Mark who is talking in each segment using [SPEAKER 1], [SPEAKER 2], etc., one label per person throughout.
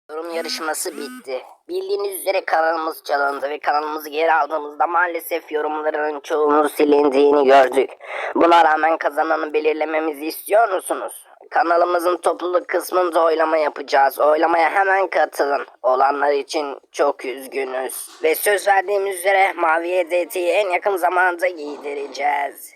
[SPEAKER 1] Yorum yarışması bitti. Bildiğiniz üzere kanalımız çalındı ve kanalımızı geri aldığımızda maalesef yorumların çoğunun silindiğini gördük. Buna rağmen kazananı belirlememizi istiyor musunuz? Kanalımızın topluluk kısmında oylama yapacağız. Oylamaya hemen katılın. Olanlar için çok üzgünüz. Ve söz verdiğimiz üzere mavi hediyeti en yakın zamanda giydireceğiz.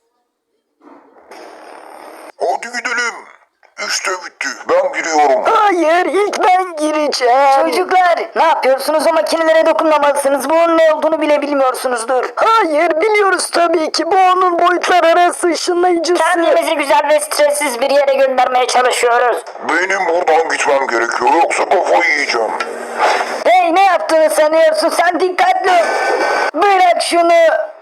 [SPEAKER 2] Hadi gidelim. İşte bitti. Ben giriyorum.
[SPEAKER 3] Hayır, ilk ben gireceğim. Çocuklar, ne yapıyorsunuz? O makinelere dokunmamalısınız. Bu onun ne olduğunu bile bilmiyorsunuzdur. Hayır, biliyoruz tabii ki. Bu onun boyutlar arası ışınlayıcısı. Kendimizi güzel ve stressiz bir yere göndermeye çalışıyoruz.
[SPEAKER 2] Benim buradan gitmem gerekiyor. Yoksa kafayı yiyeceğim.
[SPEAKER 3] Hey, ne yaptığını sanıyorsun? Sen dikkatli ol. Bırak şunu.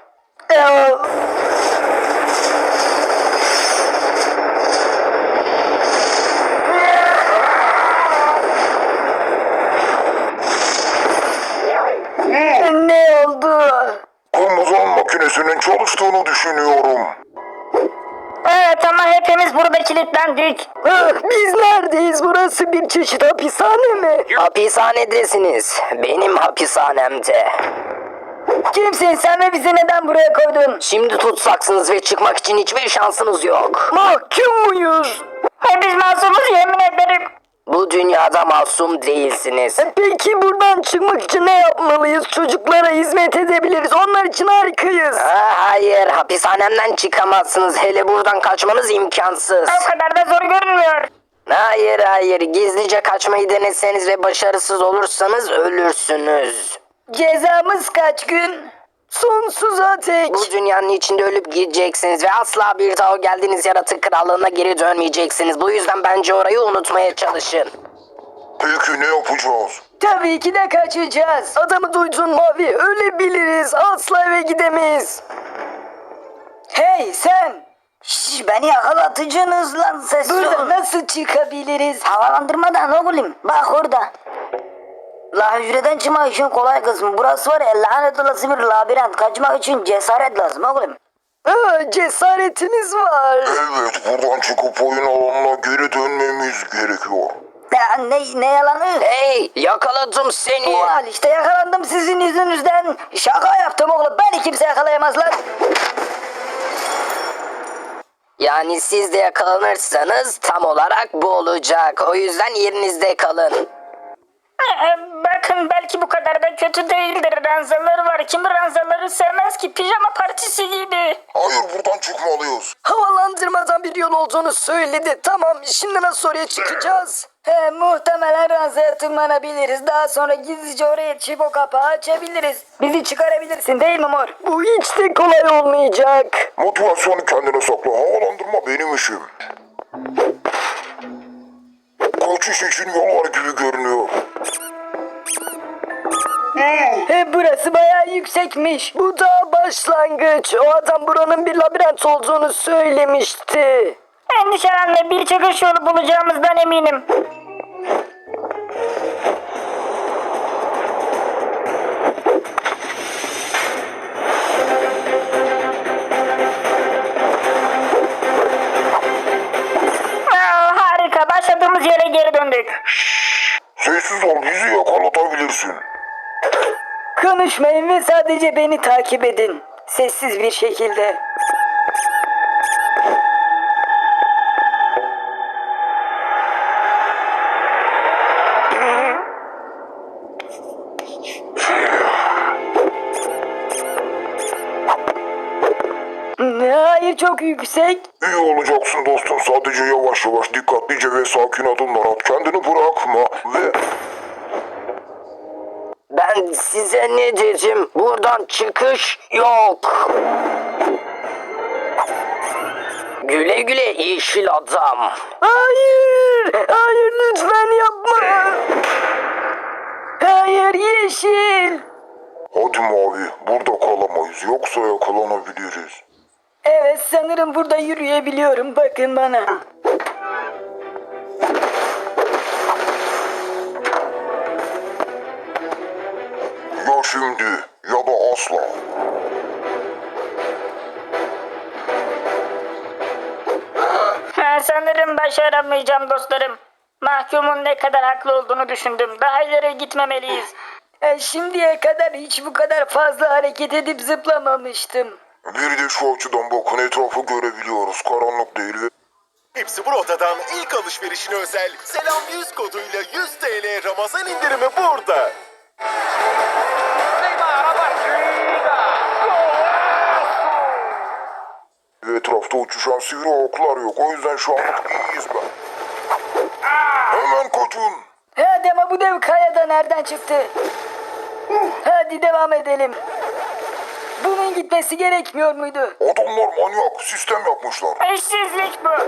[SPEAKER 3] Ne oldu?
[SPEAKER 2] Kırmızı makinesinin çalıştığını düşünüyorum.
[SPEAKER 3] Evet ama hepimiz burada kilitlendik. Biz neredeyiz? Burası bir çeşit hapishane mi?
[SPEAKER 1] Hapishanedesiniz. Benim hapishanemde.
[SPEAKER 3] Kimsin sen ve bizi neden buraya koydun?
[SPEAKER 1] Şimdi tutsaksınız ve çıkmak için hiçbir şansınız yok.
[SPEAKER 3] Mahkum muyuz? Biz masumuz yemin ederim.
[SPEAKER 1] Bu dünyada masum değilsiniz.
[SPEAKER 3] Peki buradan çıkmak için ne yapmalıyız? Çocuklara hizmet edebiliriz. Onlar için harikayız.
[SPEAKER 1] Hayır, hapishanemden çıkamazsınız. Hele buradan kaçmanız imkansız.
[SPEAKER 3] O kadar da zor görünmüyor.
[SPEAKER 1] Hayır, gizlice kaçmayı deneseniz ve başarısız olursanız ölürsünüz.
[SPEAKER 3] Cezamız kaç gün? Sonsuza tek.
[SPEAKER 1] Bu dünyanın içinde ölüp gideceksiniz ve asla bir daha o geldiğiniz yaratık krallığına geri dönmeyeceksiniz. Bu yüzden bence orayı unutmaya çalışın.
[SPEAKER 2] Peki ne yapacağız?
[SPEAKER 3] Tabii ki de kaçacağız. Adamı duydun Mavi. Ölebiliriz. Asla eve gidemeyiz. Hey sen. Beni yakalatıcınız lan ses. Burada nasıl çıkabiliriz? Havalandırmadan oğlum. Bak orada. La hücreden çıkmak için kolay kısmı. Burası var ya lanet olası bir labirent. Kaçmak için cesaret lazım oğlum. Cesaretiniz var.
[SPEAKER 2] Evet, buradan çıkıp oyun alanına geri dönmemiz gerekiyor.
[SPEAKER 3] Ya, ne yalanı?
[SPEAKER 1] Hey, yakaladım seni.
[SPEAKER 3] Al işte yakalandım sizin yüzünüzden. Şaka yaptım oğlum. Beni kimse yakalayamaz lan.
[SPEAKER 1] Yani siz de yakalanırsanız tam olarak bu olacak. O yüzden yerinizde kalın.
[SPEAKER 4] Bakın belki bu kadar da kötü değildir. Ranzaları var. Kim ranzaları sevmez ki? Pijama partisi gibi.
[SPEAKER 2] Hayır, buradan çıkmalıyız.
[SPEAKER 3] Havalandırmadan bir yol olduğunu söyledi. Tamam, şimdi nasıl oraya çıkacağız? Muhtemelen ranzaya tırmanabiliriz. Daha sonra gizlice oraya çıkıp o kapağı açabiliriz. Bizi çıkarabilirsin değil mi mor? Bu hiç de kolay olmayacak.
[SPEAKER 2] Motivasyonu kendine sakla. Havalandırma benim işim. Kaçış için yol var gibi görünüyor.
[SPEAKER 3] Burası bayağı yüksekmiş. Bu da başlangıç. O adam buranın bir labirent olduğunu söylemişti.
[SPEAKER 4] Endişelenme, bir çıkış yolu bulacağımızdan eminim. Harika, başladığımız yere geri döndük.
[SPEAKER 2] Sessiz ol, bizi yakalatabilirsin.
[SPEAKER 3] Konuşmayın ve sadece beni takip edin. Sessiz bir şekilde. Hayır, çok yüksek.
[SPEAKER 2] İyi olacaksın dostum. Sadece yavaş yavaş, dikkatlice ve sakin adımlar at. Kendini bırakma ve...
[SPEAKER 1] Ben size ne dedim? Buradan çıkış yok. Güle güle yeşil adam.
[SPEAKER 3] Hayır lütfen yapma. Hayır yeşil.
[SPEAKER 2] Hadi Mavi, burada kalamayız. Yoksa yakalanabiliriz.
[SPEAKER 3] Evet, sanırım burada yürüyebiliyorum. Bakın bana.
[SPEAKER 2] Ya şimdi ya da asla.
[SPEAKER 4] Sanırım başaramayacağım dostlarım. Mahkumun ne kadar haklı olduğunu düşündüm. Daha ileri gitmemeliyiz.
[SPEAKER 3] Şimdiye kadar hiç bu kadar fazla hareket edip zıplamamıştım.
[SPEAKER 2] Bir de şu açıdan bakın, etrafı görebiliyoruz. Karanlık değil ve
[SPEAKER 5] Hepsi Burada'dan ilk alışverişine özel Selam 100 koduyla 100 TL Ramazan indirimi burada.
[SPEAKER 2] etrafta uçuşan sivri oklar yok. O yüzden şu anlık iyiyiz ben. Hemen kaçın.
[SPEAKER 3] Hadi ama bu dev kayada nereden çıktı? Hadi devam edelim. Bunun gitmesi gerekmiyor muydu?
[SPEAKER 2] Adamlar manyak. Sistem yapmışlar.
[SPEAKER 4] Eşsizlik bu.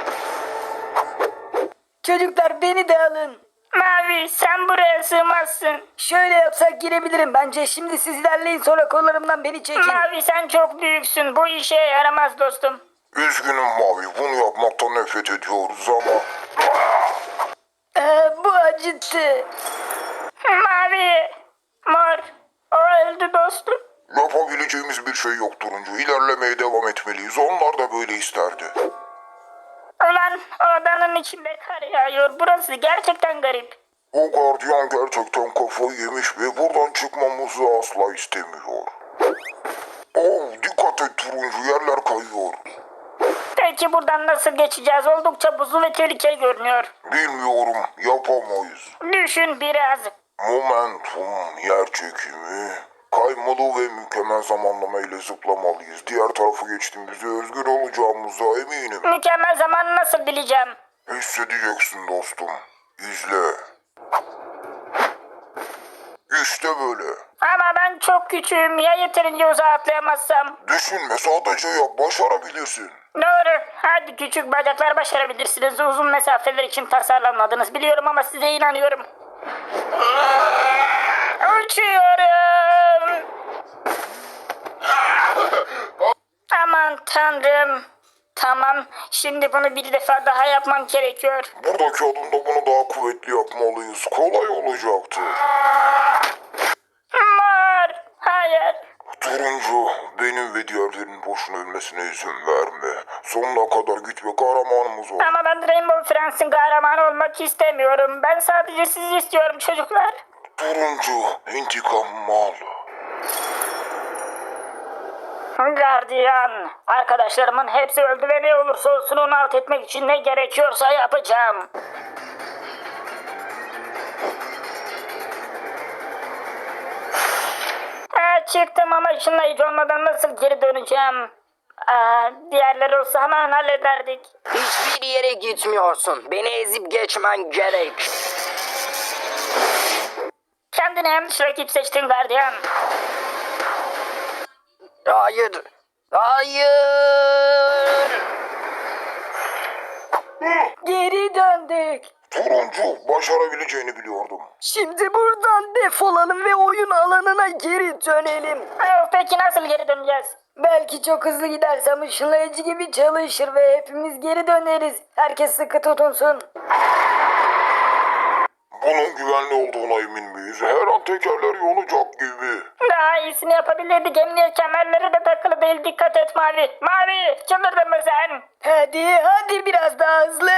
[SPEAKER 3] Çocuklar beni de alın.
[SPEAKER 4] Mavi sen buraya sığmazsın.
[SPEAKER 3] Şöyle yapsak girebilirim bence. Şimdi siz ilerleyin, sonra kollarımdan beni çekin.
[SPEAKER 4] Mavi sen çok büyüksün. Bu işe yaramaz dostum.
[SPEAKER 2] Üzgünüm Mavi. Bunu yapmaktan nefret ediyoruz ama...
[SPEAKER 3] Bu acıttı.
[SPEAKER 4] Mavi. Mor. O öldü dostum.
[SPEAKER 2] Yapabileceğimiz bir şey yok Turuncu. İlerlemeye devam etmeliyiz. Onlar da böyle isterdi.
[SPEAKER 4] Ulan odanın içinde kar yağıyor. Burası gerçekten garip.
[SPEAKER 2] O gardiyan gerçekten kafayı yemiş ve buradan çıkmamızı asla istemiyor. Oh, dikkat et Turuncu. Yerler kayıyor.
[SPEAKER 4] Peki buradan nasıl geçeceğiz? Oldukça buzlu ve tehlikeli görünüyor.
[SPEAKER 2] Bilmiyorum. Yapamayız.
[SPEAKER 4] Düşün biraz.
[SPEAKER 2] Momentum, yer çekimi, kaymalı ve mükemmel zamanlama ile zıplamalıyız. Diğer tarafa geçtiğimizde özgür olacağımıza eminim.
[SPEAKER 4] Mükemmel zamanı nasıl bileceğim?
[SPEAKER 2] Hissedeceksin dostum. İzle. İşte böyle.
[SPEAKER 4] Ama ben çok küçüğüm. Ya yeterince uzağa atlayamazsam?
[SPEAKER 2] Düşünme, sadece yap, başarabilirsin.
[SPEAKER 4] Doğru. Hadi küçük bacaklar başarabilirsiniz. Uzun mesafeler için tasarlanmadınız. Biliyorum ama size inanıyorum. Uçuyorum. Aman tanrım. Tamam. Şimdi bunu bir defa daha yapmam gerekiyor.
[SPEAKER 2] Buradaki adımda bunu daha kuvvetli yapmalıyız. Kolay olacaktı.
[SPEAKER 4] Mor. Hayır.
[SPEAKER 2] Turuncu, benim ve diğerlerinin boşuna ölmesine izin verme. Sonuna kadar git ve kahramanımız ol.
[SPEAKER 4] Ama ben Rainbow Friends'in kahramanı olmak istemiyorum. Ben sadece sizi istiyorum çocuklar.
[SPEAKER 2] Turuncu, intikamımı al.
[SPEAKER 4] Gardiyan. Arkadaşlarımın hepsi öldü ve ne olursa olsun onu alt etmek için ne gerekiyorsa yapacağım. Çıktım ama ışınlayıcı olmadan nasıl geri döneceğim? Diğerleri olsa hemen hallederdik.
[SPEAKER 1] Hiçbir yere gitmiyorsun. Beni ezip geçmen gerek.
[SPEAKER 4] Kendine yanlış rakip seçtin gardiyan.
[SPEAKER 1] Hayır. Hayır.
[SPEAKER 3] Geri döndük.
[SPEAKER 2] Turuncu, başarabileceğini biliyordum.
[SPEAKER 3] Şimdi buradan defolalım ve oyun alanına geri dönelim.
[SPEAKER 4] Peki nasıl geri döneceğiz?
[SPEAKER 3] Belki çok hızlı gidersem ışınlayıcı gibi çalışır ve hepimiz geri döneriz. Herkes sıkı tutunsun.
[SPEAKER 2] Bunun güvenli olduğuna emin miyiz? Her an tekerler yonacak gibi.
[SPEAKER 4] Daha iyisini yapabilirdik. Emniyet kemerleri de takılı değil. Dikkat et Mavi. Mavi çıldırdın mı sen?
[SPEAKER 3] Hadi biraz daha hızlı.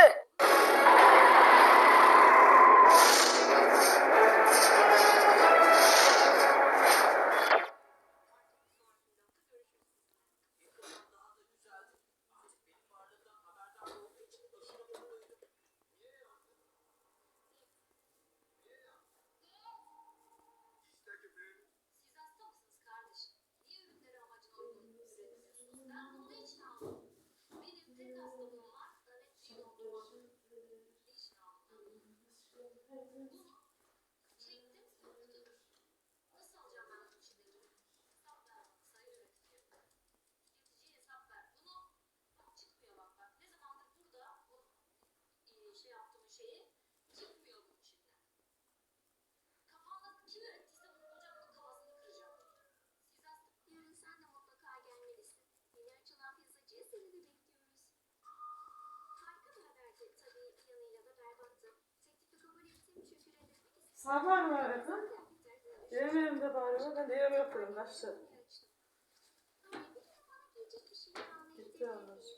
[SPEAKER 6] Siz hasta mısınız kardeşim? Niye ürünleri amacına uygun üretmiyorsunuz? Ben bunu ne için aldım? Benim tek hastalığım var. Nöbetçi dondurmam. Ne için aldım? Bunu çektim soktum. Nasıl alacağım ben bunun içindeki? Hesap ver bana sayın üretici. Tüketiciye hesap ver. Bunu çıkmıyor bak. Ne zamandır burada o şey yaptığım şeyi çıkmıyor bunun içinden. Kafamda kim öğrettiyse bunu bulacağım, bunun kafasını kıracağım. Siz aslında yarın sen de mutlaka gelmelisin. Yeni açılan pizzacıya seni de bekliyoruz. Harika bir haberdi. Tabii bir yanıyla da berbattı. Teklifi kabul ettim çünkü reddetmek istedim.
[SPEAKER 7] Sabah mı aradın? Benim elimde bari var. Ben de yorum yapıyorum. Kaçtı.
[SPEAKER 6] Ama bir de bana gelecek bir şey almayı
[SPEAKER 7] Gitti olmuş.